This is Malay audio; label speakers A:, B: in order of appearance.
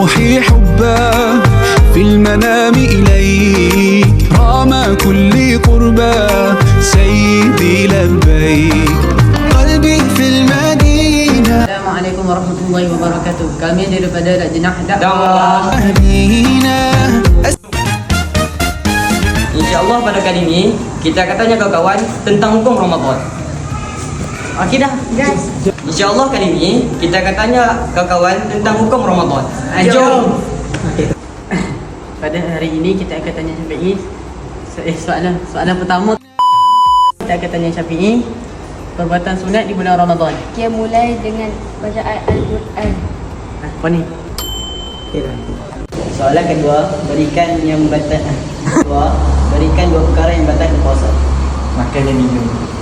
A: روحي حبا في المنام إليك رام كل قربا سيدي لبيك قلبي في المدينة.
B: Assalamualaikum warahmatullahi wabarakatuh. Kami daripada Lajnah Dakwah.
C: InsyaAllah pada kali ini kita akan tanya kawan-kawan tentang hukum Ramadan. Okey dah guys. InsyaAllah kali ini kita akan tanya kawan-kawan tentang hukum Ramadan. Jom.
B: Okay. Pada hari ini kita akan tanya Syafi'i. Soalan pertama kita akan tanya Syafi'i. Perbuatan sunat di bulan Ramadan.
D: Dia mulai dengan bacaan Al-Quran.
B: Apa ni? Okay dah.
C: Soalan kedua, berikan yang batal. Berikan dua perkara yang batal puasa.
E: Makan dan minum.